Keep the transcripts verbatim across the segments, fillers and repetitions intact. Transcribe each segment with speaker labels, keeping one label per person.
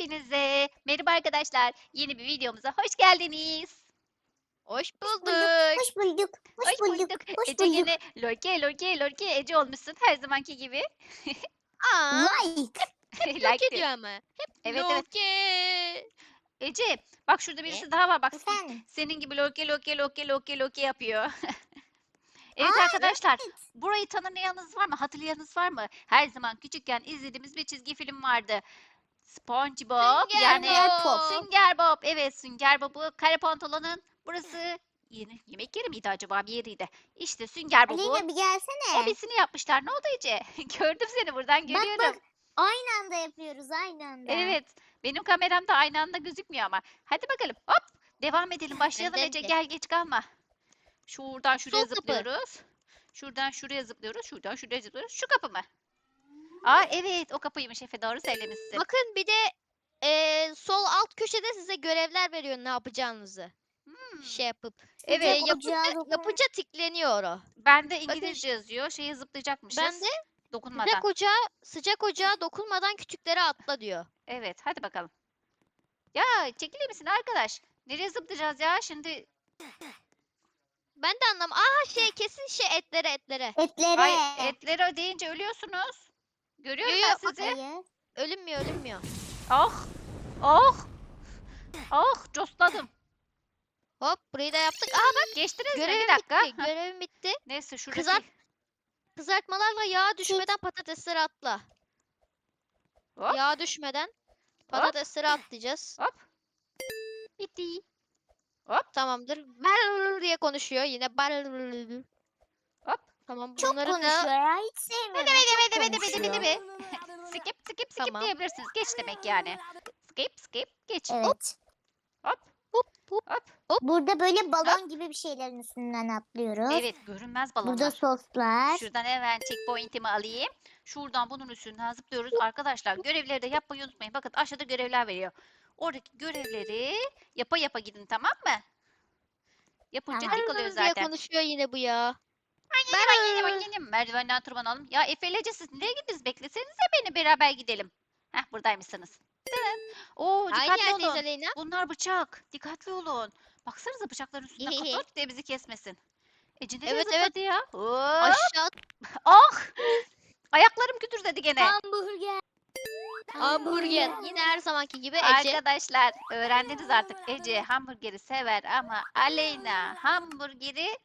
Speaker 1: Hepinize merhaba arkadaşlar. Yeni bir videomuza hoş geldiniz.
Speaker 2: Hoş
Speaker 3: Hoş bulduk,
Speaker 2: bulduk.
Speaker 3: hoş bulduk, hoş
Speaker 1: Hoş
Speaker 3: bulduk,
Speaker 1: bulduk.
Speaker 3: hoş
Speaker 1: Ece
Speaker 3: bulduk.
Speaker 1: gene lorke lorke lorke Ece olmuşsun her zamanki gibi.
Speaker 2: Aa,
Speaker 3: Like.
Speaker 2: yok
Speaker 1: Like diyor.
Speaker 2: ediyor ama. Hep
Speaker 1: Evet evet.
Speaker 2: loke.
Speaker 1: Ece bak şurada
Speaker 2: Ne?
Speaker 1: birisi daha var bak.
Speaker 3: Efendim.
Speaker 1: Senin gibi lorke lorke lorke lorke lorke yapıyor. Evet
Speaker 3: Aa,
Speaker 1: arkadaşlar,
Speaker 3: evet.
Speaker 1: burayı tanımayanınız var mı? Hatırlayanınız var mı? Her zaman küçükken izlediğimiz bir çizgi film vardı. SpongeBob
Speaker 2: Sünger
Speaker 1: yani
Speaker 3: Bob.
Speaker 1: Sünger Bob. Evet Sünger Bob'u kare pantolonun burası yeni yemek yeri miydi acaba bir yeriydi. İşte Sünger Bob'un
Speaker 3: Aleyna bir gelsene.
Speaker 1: hobisini yapmışlar. Ne oldu Ece? Gördüm seni buradan
Speaker 3: Bak
Speaker 1: görüyorum.
Speaker 3: bak. Aynı anda yapıyoruz, aynı anda.
Speaker 1: Evet benim kameramda aynı anda gözükmüyor ama. Hadi bakalım hop devam edelim başlayalım
Speaker 2: Benden
Speaker 1: Ece
Speaker 2: de.
Speaker 1: gel geç kalma. Şuradan şuraya
Speaker 2: Sol kapı.
Speaker 1: zıplıyoruz. Şuradan şuraya zıplıyoruz. Şuradan şuraya zıplıyoruz. Şu kapı mı? Aa evet o kapıymış Efe doğru söylemişsin.
Speaker 2: Bakın bir de e, sol alt köşede size görevler veriyor ne yapacağınızı.
Speaker 1: Hmm,
Speaker 2: Şey yapıp.
Speaker 1: Evet.
Speaker 2: E,
Speaker 3: Sıcak
Speaker 2: yapınca,
Speaker 3: ocağa dokun.
Speaker 2: yapınca tıklanıyor o.
Speaker 1: Bende
Speaker 2: Bakın
Speaker 1: İngilizce yazıyor. Şeye zıplayacakmışız.
Speaker 2: ben de
Speaker 1: Dokunmadan.
Speaker 2: sıcak ocağa, sıcak ocağa dokunmadan küçüklere atla diyor.
Speaker 1: Evet hadi bakalım. Ya çekilir misin arkadaş? Nereye zıplayacağız ya şimdi?
Speaker 2: Ben de anlam. Aha şey kesin şey etlere etlere.
Speaker 3: Etlere.
Speaker 1: Ay etleri ödeyince ölüyorsunuz. Görüyorum
Speaker 2: Yo,
Speaker 1: ben
Speaker 2: yo,
Speaker 1: sizi.
Speaker 3: Hayır.
Speaker 2: Ölünmüyor ölünmüyor.
Speaker 1: Oh. Oh. Oh cosladım.
Speaker 2: Hop burayı da yaptık. Aha bak
Speaker 1: Geçtiniz mi?
Speaker 2: görevim
Speaker 1: Bir dakika.
Speaker 2: bitti.
Speaker 1: Hah,
Speaker 2: Görevim bitti.
Speaker 1: neyse şuradaki.
Speaker 2: Kızart Kızartmalarla yağ düşmeden patatesleri atla.
Speaker 1: Hop
Speaker 2: Yağ düşmeden patatesleri atlayacağız.
Speaker 1: hop. Bitti. Hop
Speaker 2: Tamamdır. Barrrr diye konuşuyor yine. Barrrr.
Speaker 1: hop.
Speaker 2: Tamam
Speaker 3: Çok
Speaker 2: bunları
Speaker 3: konuşuyor
Speaker 2: da
Speaker 3: ya, hiç sevmiyorum.
Speaker 1: Bede bede
Speaker 3: Çok
Speaker 1: bede bede bede bede
Speaker 3: konuşuyor.
Speaker 1: bede. Skip skip skip
Speaker 2: Tamam.
Speaker 1: diyebilirsiniz. Geç demek yani. Skip skip geç.
Speaker 3: Evet.
Speaker 1: Hop
Speaker 2: hop hop.
Speaker 1: hop.
Speaker 3: Burada böyle balon gibi bir şeylerin üstünden atlıyoruz.
Speaker 1: Evet görünmez balonlar.
Speaker 3: Burada soslar.
Speaker 1: Şuradan hemen checkpoint'imi alayım. Şuradan bunun üstünden zıplıyoruz. Arkadaşlar görevleri de yapmayı unutmayın. Bakın aşağıda görevler veriyor. Oradaki görevleri yapa yapa gidin tamam mı? Yapınca
Speaker 3: Tamam.
Speaker 1: tik oluyor
Speaker 2: Barrrr diye
Speaker 1: zaten.
Speaker 2: konuşuyor yine bu ya.
Speaker 1: Ben yenim yenim. Merdivenden tırmanalım. Ya Efe ile Ece, siz nereye gittiniz? Beklesenize beni beraber gidelim. Heh buradaymışsınız. Tırın. Oo
Speaker 2: Aynı
Speaker 1: dikkatli
Speaker 2: yerdeyiz
Speaker 1: olun.
Speaker 2: Aleyna.
Speaker 1: Bunlar bıçak. Dikkatli olun. Baksanıza bıçakların üstünden kapat diye bizi kesmesin. Ece nereye
Speaker 2: Evet,
Speaker 1: zıpladı
Speaker 2: evet.
Speaker 1: ya? Hop.
Speaker 2: Aşağı
Speaker 1: Ah! Ayaklarım kütürdedi gene.
Speaker 3: Hamburger.
Speaker 2: hamburger. Yine her zamanki gibi Ece.
Speaker 1: Arkadaşlar öğrendiniz artık. Ece hamburgeri sever ama Aleyna hamburgeri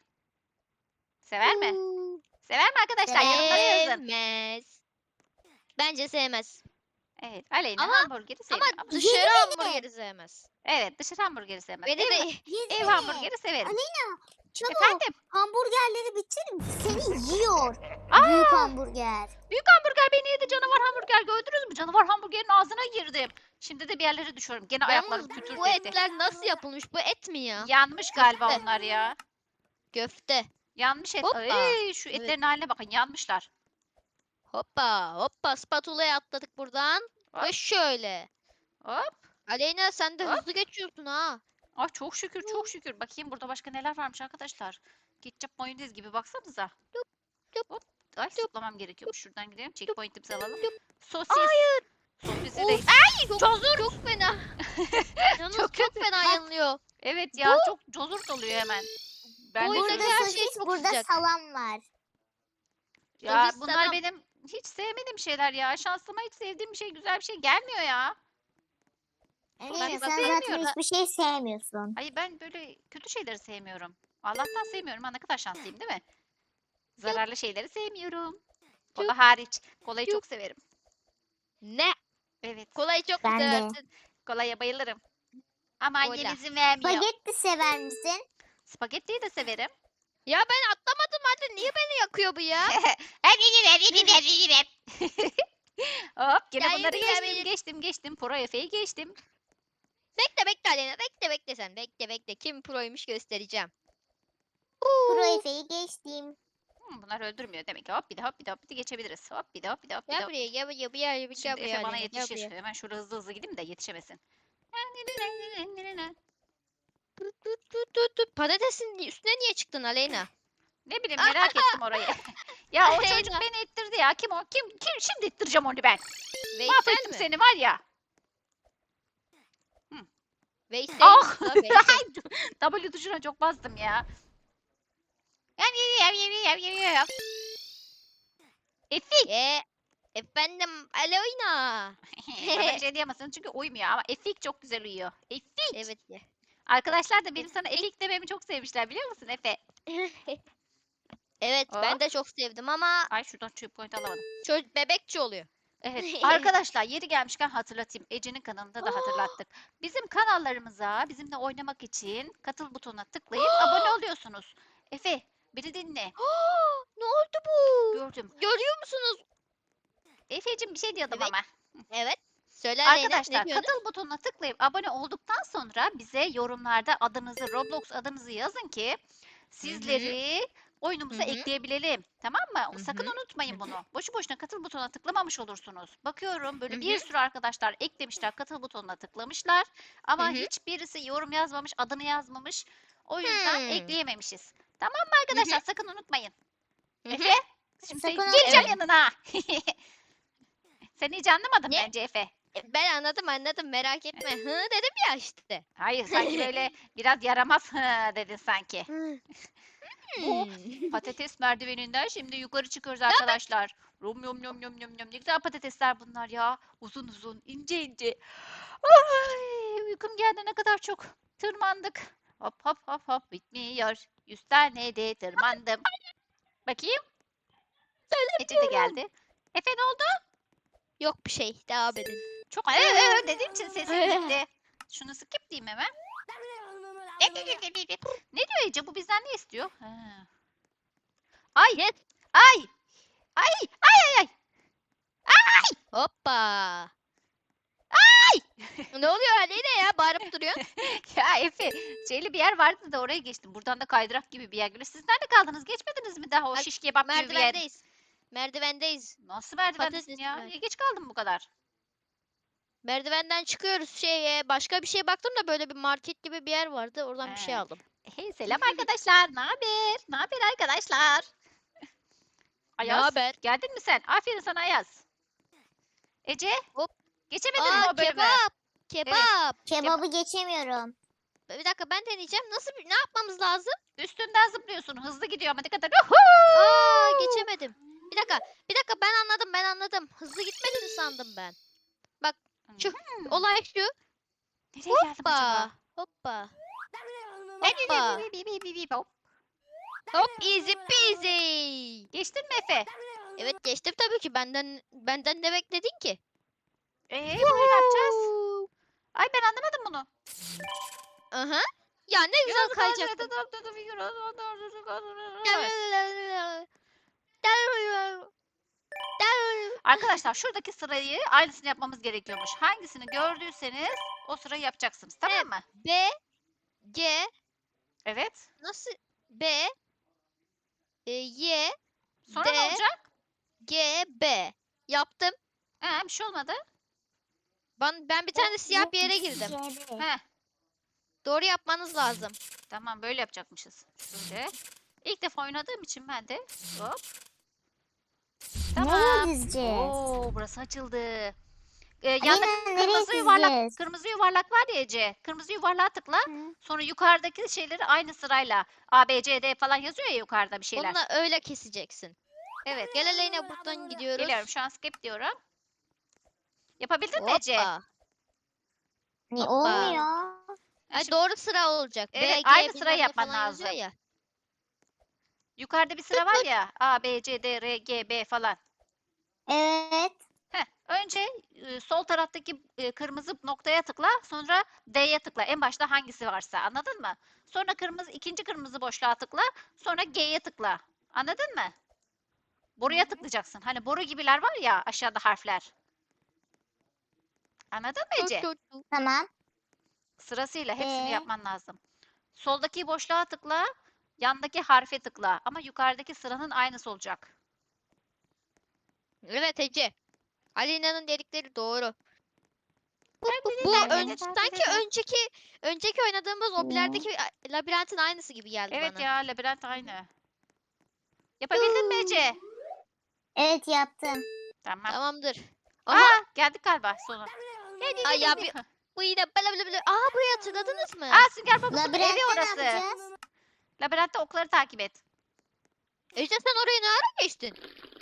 Speaker 1: sever mi?
Speaker 2: Uuu,
Speaker 1: Sever mi arkadaşlar? Yorumlara yazın.
Speaker 2: Sevmez. Bence sevmez.
Speaker 1: Evet Aleyna
Speaker 2: Ama-
Speaker 1: hamburgeri
Speaker 2: Ama
Speaker 1: seviyor. Ama
Speaker 2: dışarı
Speaker 3: Yedi
Speaker 2: hamburgeri sevmez.
Speaker 1: evet dışarı hamburgeri sevmez.
Speaker 2: Beni
Speaker 1: Ev,
Speaker 2: de
Speaker 1: ev
Speaker 3: Yesene.
Speaker 1: hamburgeri severim.
Speaker 3: Aleyna çabuk.
Speaker 1: Efendim?
Speaker 3: Hamburgerleri bitir. Seni yiyor.
Speaker 1: Aa!
Speaker 3: Büyük hamburger.
Speaker 1: Büyük hamburger beni yedi. Canavar hamburger gördünüz mü? Canavar hamburgerin ağzına girdim. Şimdi de bir yerlere düşüyorum. Gene ayaklarım
Speaker 2: Yalnız
Speaker 1: kütür
Speaker 2: bu
Speaker 1: etti.
Speaker 2: etler nasıl yapılmış? Bu et mi ya?
Speaker 1: Yanmış galiba
Speaker 2: Köfte.
Speaker 1: onlar ya.
Speaker 2: Köfte.
Speaker 1: Yanmış et.
Speaker 2: Hoppa.
Speaker 1: Ay, şu
Speaker 2: Evet.
Speaker 1: etlerin haline bakın yanmışlar.
Speaker 2: Hoppa hoppa spatula'ya atladık buradan.
Speaker 1: Hop.
Speaker 2: Ve şöyle.
Speaker 1: Hop.
Speaker 2: Aleyna sen de
Speaker 1: Hop.
Speaker 2: hızlı geçiyorsun ha.
Speaker 1: Ay çok şükür çok şükür. Bakayım burada başka neler varmış arkadaşlar. Ketçap mayonez gibi baksanıza.
Speaker 2: Yup,
Speaker 1: Hop. Ay zıplamam gerekiyormuş. Şuradan gidelim. Checkpoint'imizi alalım.
Speaker 2: yup.
Speaker 1: Sosis.
Speaker 2: Hayır.
Speaker 1: Sosisi
Speaker 2: Of,
Speaker 1: reis.
Speaker 2: Çok,
Speaker 1: Cozur.
Speaker 2: çok fena. Yalnız
Speaker 1: Çok
Speaker 2: çok,
Speaker 1: kötü.
Speaker 2: fena
Speaker 1: Bak.
Speaker 2: yanılıyor.
Speaker 1: Evet ya çok cozurt oluyor hemen. Ben de
Speaker 2: oyundaki
Speaker 3: Burada
Speaker 2: her
Speaker 1: söyleyeyim.
Speaker 2: şey
Speaker 3: sosis,
Speaker 2: çok
Speaker 3: burada
Speaker 2: sıcak.
Speaker 3: salam var.
Speaker 1: Ya
Speaker 2: Sosis
Speaker 1: bunlar
Speaker 2: salam.
Speaker 1: benim hiç sevmediğim şeyler ya. Şansıma hiç sevdiğim bir şey, güzel bir şey gelmiyor ya.
Speaker 3: Aleyna
Speaker 1: Sosis
Speaker 3: sen zaten
Speaker 1: sevmiyorum.
Speaker 3: hiçbir şey sevmiyorsun.
Speaker 1: Ay ben böyle kötü şeyleri sevmiyorum. Allah'tan sevmiyorum. Ha ne kadar şanslıyım değil mi? Zararlı şeyleri sevmiyorum. Kola
Speaker 2: Çok-
Speaker 1: hariç. Kolayı
Speaker 2: çok-
Speaker 1: çok severim.
Speaker 2: Ne?
Speaker 1: Evet.
Speaker 2: Kolayı çok
Speaker 3: Ben de.
Speaker 2: seversin.
Speaker 1: Kolaya bayılırım. Ama annem
Speaker 2: Kola.
Speaker 1: izin vermiyor.
Speaker 3: Spagetti sever misin?
Speaker 1: Spagettiyi de severim.
Speaker 2: Ya ben atlamadım hadi niye beni yakıyor bu ya?
Speaker 1: Hadi gidelim, hadi gidelim. Hop gene
Speaker 2: Ya
Speaker 1: bunları
Speaker 2: yürü ya,
Speaker 1: geçtim,
Speaker 2: beni-
Speaker 1: geçtim, geçtim. Pro Efe'yi geçtim.
Speaker 2: Bekle bekle Aleyna bekle bekle sen bekle bekle kim proymuş göstereceğim.
Speaker 3: Pro Efe'yi geçtim.
Speaker 1: Hmm, bunlar öldürmüyor demek ki. Hop bir de hop bir de hop bir de geçebiliriz. Hop bir de hop bir de hop bir de
Speaker 2: Gel
Speaker 1: hop.
Speaker 2: buraya gel buraya gel buraya gel
Speaker 1: Şimdi
Speaker 2: buraya
Speaker 1: Efe bana
Speaker 2: Aleyna, gel
Speaker 1: yetişir.
Speaker 2: buraya.
Speaker 1: Hemen şurada hızlı hızlı gideyim de yetişemesin.
Speaker 2: Tut tut tut tut tut. Patatesin üstüne niye çıktın Aleyna?
Speaker 1: Ne bileyim merak ettim orayı. Ya o çocuk
Speaker 2: Aleyna.
Speaker 1: beni ittirdi ya. Kim o? Kim? Kim? Şimdi ittireceğim onu ben.
Speaker 2: Veysel
Speaker 1: Mahvettim
Speaker 2: mi?
Speaker 1: seni var ya.
Speaker 2: Veysel.
Speaker 1: Ah!
Speaker 2: la Veysel.
Speaker 1: W tuşuna çok bastım ya. Yap yap yap yap yap yap yap. Efik.
Speaker 2: Ee, efendim Aleyna.
Speaker 1: Bana bir şey diyemezsin çünkü uymuyor ama Efik çok güzel uyuyor. Efik.
Speaker 2: Evet ya.
Speaker 1: Arkadaşlar da benim sana Efik dememi çok sevmişler biliyor musun Efe?
Speaker 2: Evet ben
Speaker 1: Hop.
Speaker 2: de çok sevdim ama
Speaker 1: Ay şuradan çöp point alamadım.
Speaker 2: çocuk bebekçi oluyor.
Speaker 1: Evet arkadaşlar yeri gelmişken hatırlatayım. Ece'nin kanalında da hatırlattık. Bizim kanallarımıza bizimle oynamak için katıl butonuna tıklayıp abone oluyorsunuz. Efe beni dinle.
Speaker 2: Ne oldu bu?
Speaker 1: Gördüm.
Speaker 2: Görüyor musunuz?
Speaker 1: Efe'cim bir şey diyordum
Speaker 2: Evet.
Speaker 1: ama.
Speaker 2: Evet. Söyle Aleyna, ne
Speaker 1: Arkadaşlar
Speaker 2: diyorsun?
Speaker 1: katıl butonuna tıklayıp abone olduktan sonra bize yorumlarda adınızı, Roblox adınızı yazın ki sizleri oyunumuza
Speaker 2: Hı hı.
Speaker 1: ekleyebilelim. Tamam mı?
Speaker 2: Hı
Speaker 1: Sakın
Speaker 2: hı.
Speaker 1: unutmayın
Speaker 2: Hı hı.
Speaker 1: bunu. Boşu boşuna katıl butonuna tıklamamış olursunuz. Bakıyorum böyle
Speaker 2: Hı
Speaker 1: bir
Speaker 2: hı.
Speaker 1: sürü arkadaşlar eklemişler, katıl butonuna tıklamışlar. Ama
Speaker 2: Hı hı.
Speaker 1: hiçbirisi yorum yazmamış, adını yazmamış. O yüzden
Speaker 2: Hmm.
Speaker 1: ekleyememişiz. Tamam mı arkadaşlar? Sakın unutmayın.
Speaker 2: Hı hı.
Speaker 1: Efe, şimdi
Speaker 3: Sakın
Speaker 1: seni- geleceğim
Speaker 2: Evet.
Speaker 1: yanına. Sen hiç anlamadın
Speaker 2: Ne?
Speaker 1: bence Efe.
Speaker 2: E, Ben anladım anladım, merak etme. Hı dedim ya işte.
Speaker 1: Hayır sanki böyle biraz yaramaz hı dedin sanki. Bu
Speaker 2: Hmm.
Speaker 1: patates merdiveninden şimdi yukarı çıkıyoruz
Speaker 2: Ne haber?
Speaker 1: arkadaşlar. Rom yom yom yom yom yom. Ne güzel patatesler bunlar ya. Uzun uzun, ince ince. Ay, uykum geldi ne kadar çok. Tırmandık. Hop hop hop hop bitmiyor. Yüz tane de tırmandım. Bakayım. Ece de geldi. Efe ne oldu?
Speaker 2: Yok bir şey, devam edin.
Speaker 1: Çok ee, ee, dediğim için sesim gitti. Şunu skip diyeyim hemen. Ne diyor Ece? Bu bizden ne istiyor? Ha. Ay
Speaker 2: Yes.
Speaker 1: ay ay ay ay ay.
Speaker 2: Hoppa.
Speaker 1: Ay!
Speaker 2: Ne oluyor Aleyna ya, bağırıp duruyor.
Speaker 1: Ya Efe, şeyli bir yer vardı da oraya geçtim. Buradan da kaydırak gibi bir yer geliyor. Siz nerede kaldınız? Geçmediniz mi daha o
Speaker 2: Bak,
Speaker 1: şiş kebap gibi bir yer?
Speaker 2: Merdivendeyiz. Merdivendeyiz.
Speaker 1: Nasıl merdivendesin
Speaker 2: Patates
Speaker 1: ya?
Speaker 2: merdiven.
Speaker 1: Niye geç kaldın bu kadar?
Speaker 2: Merdivenden çıkıyoruz şeye. Başka bir şey baktım da böyle bir market gibi bir yer vardı. Oradan bir şey
Speaker 1: He.
Speaker 2: aldım.
Speaker 1: Hey selam arkadaşlar. Ne haber? Ne haber arkadaşlar?
Speaker 2: Ne
Speaker 1: Ayaz,
Speaker 2: haber?
Speaker 1: geldin mi sen? Aferin sana Ayaz. Ece,
Speaker 2: Hop.
Speaker 1: geçemedin mi
Speaker 2: Aa,
Speaker 1: o bölümü?
Speaker 2: kebap. Kebap.
Speaker 3: Kebabı geçemiyorum.
Speaker 2: Bir dakika, ben deneyeceğim. Nasıl bir, ne yapmamız lazım?
Speaker 1: Üstünden zıplıyorsun. Hızlı gidiyor ama dikkat et.
Speaker 2: Aa, geçemedim. Bir dakika. Bir dakika, ben anladım ben anladım. Hızlı gitmediğini sandım ben. Şu
Speaker 1: Hmm.
Speaker 2: olay şu.
Speaker 1: Nereye geldim acaba?
Speaker 2: Hoppa. Hoppa.
Speaker 1: Bip, bip,
Speaker 2: Hoppa.
Speaker 1: bip, bip, bip, bip, bip, hop.
Speaker 2: Hop, easy peasy.
Speaker 1: Geçtin mi Efe?
Speaker 2: Evet, geçtim tabii ki. Benden benden ne bekledin ki?
Speaker 1: Ee, burayı ne yapacağız? Ay ben anlamadım bunu.
Speaker 2: Aha. Ya ne güzel kayacaktım.
Speaker 1: Arkadaşlar şuradaki sırayı aynısını yapmamız gerekiyormuş. Hangisini gördüyseniz o sırayı yapacaksınız. Tamam
Speaker 2: Evet.
Speaker 1: mı?
Speaker 2: B C
Speaker 1: Evet.
Speaker 2: nasıl B e, Y
Speaker 1: Sonra ne
Speaker 2: D
Speaker 1: olacak?
Speaker 2: G B yaptım.
Speaker 1: He, bir şey olmadı.
Speaker 2: Ben ben bir tane siyah bir yere girdim.
Speaker 1: He,
Speaker 2: Doğru yapmanız lazım.
Speaker 1: tamam böyle yapacakmışız. Şöyle. İlk defa oynadığım için ben de hop. Tamam.
Speaker 3: Nereye dizeceğiz?
Speaker 1: Oo, burası açıldı. Ee, yanda
Speaker 3: Aleyna, nereye
Speaker 1: kırmızı yuvarlak,
Speaker 3: dizeceğiz?
Speaker 1: kırmızı yuvarlak var ya Ece. Kırmızı yuvarlağa tıkla.
Speaker 3: Hı.
Speaker 1: Sonra yukarıdaki şeyleri aynı sırayla A, B, C, D falan yazıyor ya yukarıda bir şeyler.
Speaker 2: Onunla öyle keseceksin.
Speaker 1: Evet.
Speaker 2: Gel Aleyna, buradan gidiyoruz.
Speaker 1: Geliyorum şu an skip diyorum. Yapabildin mi Ece?
Speaker 2: Hoppa.
Speaker 3: Ne
Speaker 2: Hoppa.
Speaker 3: olmuyor?
Speaker 1: Ha,
Speaker 2: Ay,
Speaker 1: şimdi
Speaker 2: doğru sıra olacak.
Speaker 1: Evet,
Speaker 2: B, G,
Speaker 1: aynı
Speaker 2: bilmem
Speaker 1: sırayı
Speaker 2: ne
Speaker 1: yapman
Speaker 2: falan yazıyor
Speaker 1: lazım.
Speaker 2: ya.
Speaker 1: yukarıda bir sıra var ya A, B, C, D, R, G, B falan.
Speaker 3: Evet.
Speaker 1: Heh, önce e, sol taraftaki e, kırmızı noktaya tıkla, sonra D'ye tıkla. En başta hangisi varsa. Anladın mı? Sonra kırmızı ikinci kırmızı boşluğa tıkla, sonra G'ye tıkla. Anladın mı? Boruya tıklayacaksın. Hani boru gibiler var ya aşağıda harfler. Anladın mı
Speaker 2: Tut,
Speaker 1: Ece?
Speaker 2: tut, tut.
Speaker 3: Tamam.
Speaker 1: Sırasıyla hepsini
Speaker 3: Ee?
Speaker 1: yapman lazım. Soldaki boşluğa tıkla, yandaki harfe tıkla ama yukarıdaki sıranın aynısı olacak.
Speaker 2: Evet Ece. Aleyna'nın dedikleri doğru. Bu, bu,
Speaker 1: Ben de
Speaker 2: bu
Speaker 1: dedim, ben
Speaker 2: ön-
Speaker 1: de dedim,
Speaker 2: sanki
Speaker 1: dedim.
Speaker 2: önceki önceki oynadığımız o
Speaker 3: Ne?
Speaker 2: bilardeki a- labirentin aynısı gibi geldi
Speaker 1: Evet
Speaker 2: bana.
Speaker 1: ya labirent aynı. Yapabildin mi Ece?
Speaker 3: Evet yaptım.
Speaker 1: Tamam.
Speaker 2: Tamamdır. Aha.
Speaker 1: Aa geldik galiba sonu.
Speaker 2: Ay ya bir Bu yine bla bla bla. Aa, burayı hatırladınız mı?
Speaker 1: Aa, Sünger Baba'nın evi
Speaker 3: Labirentte ne
Speaker 1: orası.
Speaker 3: yapacağız?
Speaker 1: Labirentte okları takip et.
Speaker 2: Ece sen orayı ne ara geçtin?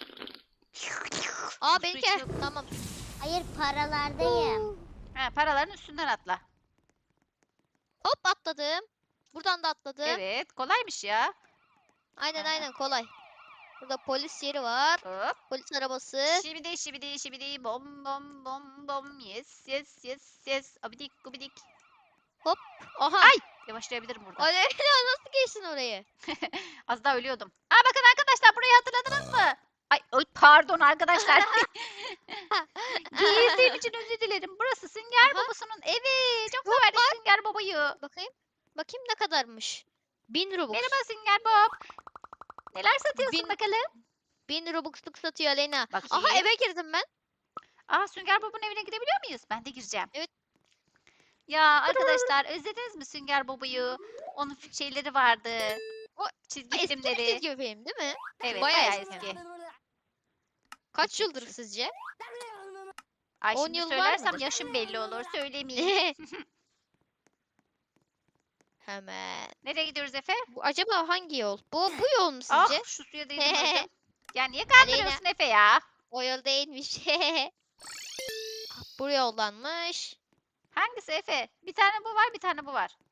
Speaker 2: Aa,
Speaker 1: Su
Speaker 2: benimki.
Speaker 1: içiyor.
Speaker 2: Tamam.
Speaker 3: Hayır, paralardayım.
Speaker 1: Ha, paraların üstünden atla.
Speaker 2: Hop, atladım. Buradan da atladım.
Speaker 1: Evet, kolaymış ya.
Speaker 2: Aynen
Speaker 1: Ha.
Speaker 2: aynen, kolay. Burada polis yeri var.
Speaker 1: Hop.
Speaker 2: Polis arabası.
Speaker 1: Şibidi şibidi şibidi bom bom bom bom. Yes yes yes yes. Abidik gubidik.
Speaker 2: Aha.
Speaker 1: Ay! Yavaşlayabilirim burada.
Speaker 2: Aleyna nasıl geçtin orayı?
Speaker 1: Az daha ölüyordum. Aa, bakın arkadaşlar, burayı hatırladınız mı? Ay, ay, pardon arkadaşlar. Giyindiğim için özür dilerim. Burası Sünger
Speaker 2: Aha.
Speaker 1: Babası'nın evi. Çok severdik Sünger Baba'yı.
Speaker 2: Bakayım. Bakayım ne kadarmış. Bin Robux.
Speaker 1: Merhaba Sünger Bob. Neler satıyorsun
Speaker 2: Bin-
Speaker 1: bakalım?
Speaker 2: Bin Robux'luk satıyor Aleyna.
Speaker 1: Bakayım.
Speaker 2: Aha, eve girdim ben.
Speaker 1: Aa, Sünger Bob'un evine gidebiliyor muyuz? Ben de gireceğim.
Speaker 2: Evet.
Speaker 1: Ya arkadaşlar, özlediniz mi Sünger Bob'u? Onun f- şeyleri vardı.
Speaker 2: O
Speaker 1: Çizgi
Speaker 2: Eski bir
Speaker 1: filmleri.
Speaker 2: çizgi film değil mi?
Speaker 1: Evet,
Speaker 2: bayağı
Speaker 1: bayağı
Speaker 2: eski.
Speaker 1: eski.
Speaker 2: Kaç yıldır sizce?
Speaker 1: Ay,
Speaker 2: on
Speaker 1: şimdi
Speaker 2: yıl var
Speaker 1: söylersem
Speaker 2: mıdır?
Speaker 1: yaşım belli olur. Söylemeyeyim.
Speaker 2: Hemen.
Speaker 1: Nereye gidiyoruz Efe?
Speaker 2: Bu acaba hangi yol? Bu bu yol mu
Speaker 1: Ah,
Speaker 2: sizce?
Speaker 1: şu suya değdim öldüm. Ya niye kandırıyorsun Efe ya?
Speaker 2: O yol değilmiş. Bu yoldanmış.
Speaker 1: Hangisi Efe? Bir tane bu var, bir tane bu var.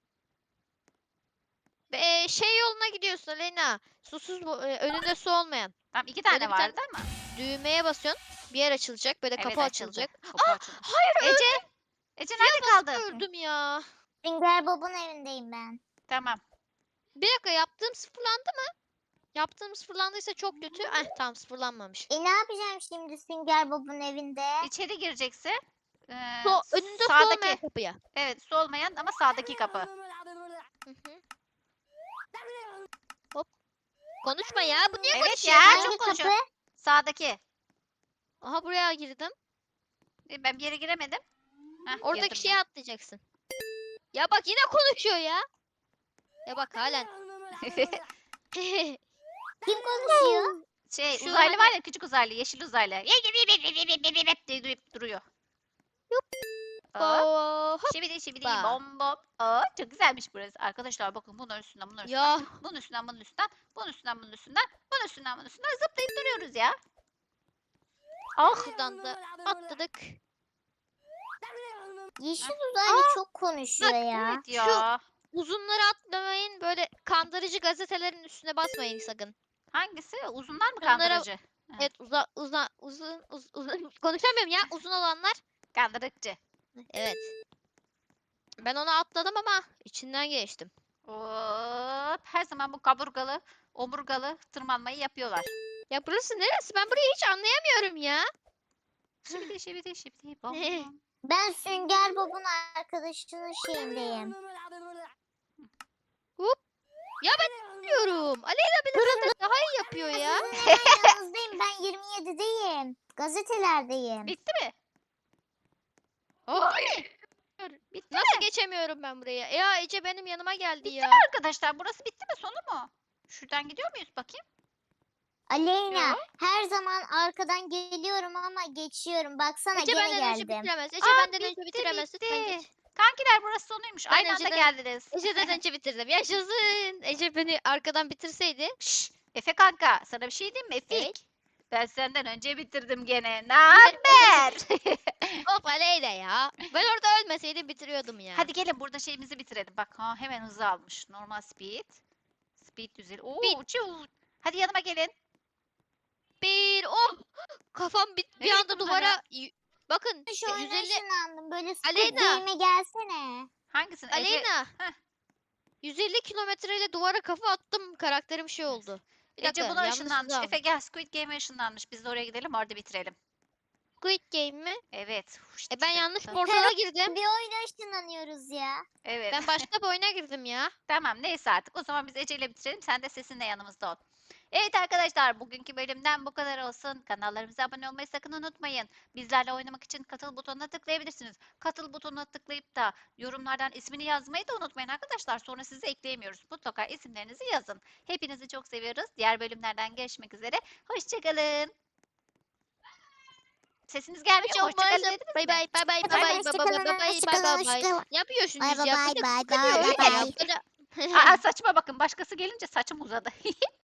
Speaker 2: Ve şey yoluna gidiyorsun Aleyna. Susuz bu, e, önünde su olmayan.
Speaker 1: Tamam, iki tane
Speaker 2: Böyle bir tane-
Speaker 1: vardı ama.
Speaker 2: Düğmeye basıyorsun. Bir yer açılacak. Böyle
Speaker 1: Evet,
Speaker 2: kapı
Speaker 1: açıldı.
Speaker 2: açılacak.
Speaker 1: Kapı açıldı.
Speaker 2: Hayır,
Speaker 1: Ece? Ece nerede kaldın?
Speaker 2: öldüm ya.
Speaker 3: Sünger Bob'un evindeyim ben.
Speaker 1: Tamam.
Speaker 2: Bir dakika, yaptığım sıfırlandı mı? Yaptığım sıfırlandıysa çok kötü. Eh, tamam, sıfırlanmamış.
Speaker 3: E ne yapacağım şimdi Sünger Bob'un evinde?
Speaker 1: İçeri gireceksin. Ee,
Speaker 2: So, önünde su
Speaker 1: sağdaki.
Speaker 2: olmayan kapıya.
Speaker 1: Evet, su olmayan ama sağdaki kapı.
Speaker 2: Hı hı. Hop. Konuşma ya. Bu niye
Speaker 1: Evet
Speaker 2: konuşuyor?
Speaker 1: ya,
Speaker 3: Hangi
Speaker 1: çok konuşuyor.
Speaker 3: kapı?
Speaker 1: Sağdaki.
Speaker 2: Aha, buraya girdim.
Speaker 1: E, Ben bir yere giremedim. Heh,
Speaker 2: Oradaki
Speaker 1: girdim
Speaker 2: şeye atlayacaksın. Ya bak, yine konuşuyor ya. Ya bak, halen.
Speaker 1: ben.
Speaker 3: Kim konuşuyor?
Speaker 1: Şey,
Speaker 2: Şu
Speaker 1: uzaylı
Speaker 2: hani-
Speaker 1: var ya, küçük uzaylı, yeşil uzaylı. diye durup duruyor. Hop.
Speaker 2: Oo, hop.
Speaker 1: Şibidi şibidi
Speaker 2: Hoppa.
Speaker 1: bom bom. Aa, çok güzelmiş burası. Arkadaşlar bakın, bunun üstünden bunun üstünden.
Speaker 2: Ya
Speaker 1: Bunun üstünden bunun üstünden. Bunun üstünden bunun üstünden. Bunun üstünden bunun üstünden zıplayıp duruyoruz ya. Ah.
Speaker 2: buradan da atladık.
Speaker 3: Yeşil uzaylı çok konuşuyor ya.
Speaker 1: Evet ya.
Speaker 2: Uzunları atlamayın. Böyle kandırıcı gazetelerin üstüne basmayın sakın.
Speaker 1: Hangisi? Uzunlar mı
Speaker 2: Bunlara-
Speaker 1: kandırıcı? Ha.
Speaker 2: Evet, uza, uza, uzun, uz, uzun. Konuşamıyorum ya. Uzun olanlar.
Speaker 1: Kandırıcı.
Speaker 2: Evet. Ben onu atladım ama içinden geçtim.
Speaker 1: Hop. Her zaman bu kaburgalı, omurgalı tırmanmayı yapıyorlar.
Speaker 2: Ya burası neresi? Ben burayı hiç anlayamıyorum ya.
Speaker 1: Şibidi şibidi şibidi bom
Speaker 2: Ne?
Speaker 1: bom.
Speaker 3: Ben Sünger Bob'un arkadaşının şeyindeyim.
Speaker 2: Ya ben biliyorum. Aleyna bile zaten daha iyi yapıyor ya.
Speaker 3: Sizin hemen yanınızdayım. Ben yirmi yedideyim. Gazetelerdeyim.
Speaker 1: Bitti mi?
Speaker 2: Hayır.
Speaker 1: Bitti
Speaker 2: Nasıl
Speaker 1: mi?
Speaker 2: geçemiyorum ben buraya? Ya Ece benim yanıma geldi
Speaker 1: Bitti
Speaker 2: ya.
Speaker 1: mi arkadaşlar? Burası bitti mi? Sonu mu? Şuradan gidiyor muyuz bakayım?
Speaker 3: Aleyna,
Speaker 1: Yo.
Speaker 3: her zaman arkadan geliyorum ama geçiyorum. Baksana
Speaker 2: Ece
Speaker 3: gene
Speaker 2: benden önce
Speaker 3: geldim.
Speaker 2: bitiremez. Ece
Speaker 1: Aa,
Speaker 2: benden önce
Speaker 1: bitti,
Speaker 2: bitiremez. Lütfen
Speaker 1: bitti.
Speaker 2: geç.
Speaker 1: Kankiler, burası sonuymuş.
Speaker 2: Ben
Speaker 1: Aynı anda
Speaker 2: önceden-
Speaker 1: geldiniz.
Speaker 2: Ece'den önce bitirdim. Yaşasın. Ece beni arkadan bitirseydi.
Speaker 1: Şşş, Efe kanka, sana bir şey diyeyim mi Efik?
Speaker 2: Evet.
Speaker 1: Ben senden önce bitirdim gene. Ne haber?
Speaker 2: Hop Aleyna ya. Ben orada ölmeseydim bitiriyordum ya.
Speaker 1: Hadi gelin, burada şeyimizi bitirelim. Bak, ha, hemen hızı almış. Normal speed. Speed düzeli. Oo,
Speaker 2: Speed.
Speaker 1: uçuyor. Hadi yanıma gelin.
Speaker 2: Bir oh. Kafam bir, bir
Speaker 1: Nereye
Speaker 2: anda
Speaker 1: gitti bunlar
Speaker 2: duvara.
Speaker 1: ya?
Speaker 2: y- Bakın
Speaker 3: Şu oyuna
Speaker 2: yüz elli
Speaker 3: ışınlandım. Böyle Squid
Speaker 2: Aleyna.
Speaker 3: Game'e gelsene.
Speaker 1: Hangisini? Ece-
Speaker 2: Aleyna.
Speaker 1: Heh.
Speaker 2: yüz elli kilometreyle duvara kafa attım. Karakterim şey oldu. Bir
Speaker 1: Ece
Speaker 2: dakika,
Speaker 1: buna
Speaker 2: yanlış
Speaker 1: ışınlanmış.
Speaker 2: hızı
Speaker 1: Efe gel, Squid Game'e ışınlanmış. Biz de oraya gidelim, orada bitirelim.
Speaker 2: Squid Game mi?
Speaker 1: Evet. Huş,
Speaker 2: E ben
Speaker 1: tık
Speaker 2: yanlış
Speaker 1: tık.
Speaker 2: portala girdim.
Speaker 3: Bir oyuna ışınlanıyoruz ya.
Speaker 1: Evet.
Speaker 2: Ben başka bir oyuna girdim ya.
Speaker 1: Tamam, neyse artık. O zaman biz Ece ile bitirelim. Sen de sesinle yanımızda ol. Evet arkadaşlar, bugünkü bölümden bu kadar olsun. Kanallarımıza abone olmayı sakın unutmayın. Bizlerle oynamak için katıl butonuna tıklayabilirsiniz. Katıl butonuna tıklayıp da yorumlardan ismini yazmayı da unutmayın arkadaşlar. Sonra sizi ekleyemiyoruz. Mutlaka isimlerinizi yazın. Hepinizi çok seviyoruz. Diğer bölümlerden görüşmek üzere. Hoşçakalın. Sesiniz gelmiyor mu?
Speaker 2: Çok
Speaker 1: Hoşçakalın
Speaker 2: maalesef.
Speaker 1: dediniz
Speaker 2: Bay
Speaker 1: mi?
Speaker 2: bay bay bay bay bay bay bay bay bay bay bay bay. Ne yapıyorsunuz
Speaker 3: Bay bay
Speaker 2: ya?
Speaker 3: bay
Speaker 2: Bir de
Speaker 3: bay
Speaker 2: kıkırıyor
Speaker 3: bay
Speaker 2: ya.
Speaker 3: bay.
Speaker 2: Böyle-
Speaker 1: Aa, saçma bakın başkası gelince saçım uzadı.